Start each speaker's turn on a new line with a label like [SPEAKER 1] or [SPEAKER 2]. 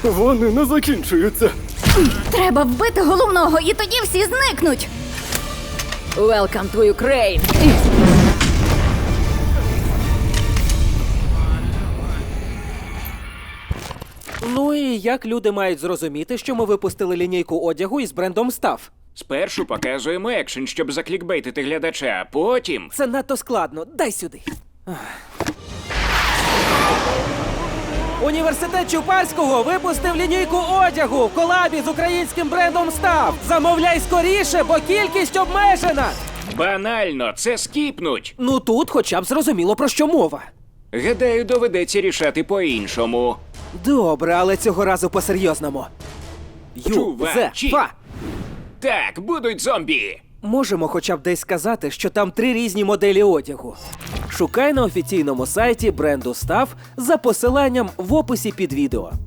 [SPEAKER 1] Вони не закінчуються.
[SPEAKER 2] Треба вбити головного, і тоді всі зникнуть.
[SPEAKER 3] Welcome to Ukraine!
[SPEAKER 4] Ну і як люди мають зрозуміти, що ми випустили лінійку одягу із брендом Став?
[SPEAKER 5] Спершу показуємо екшен, щоб заклікбейтити глядача, а потім...
[SPEAKER 4] Це надто складно. Дай сюди. Університет Чупарського випустив лінійку одягу в колабі з українським брендом Став. Замовляй скоріше, бо кількість обмежена.
[SPEAKER 5] Банально, це скіпнуть.
[SPEAKER 4] Ну тут хоча б зрозуміло, про що мова.
[SPEAKER 5] Гадаю, доведеться рішати по-іншому.
[SPEAKER 4] Добре, але цього разу по-серйозному.
[SPEAKER 5] Чувачі.
[SPEAKER 4] Юзефа!
[SPEAKER 5] Так, будуть зомбі.
[SPEAKER 4] Можемо хоча б десь сказати, що там 3 різні моделі одягу. Шукай на офіційному сайті бренду Став за посиланням в описі під відео.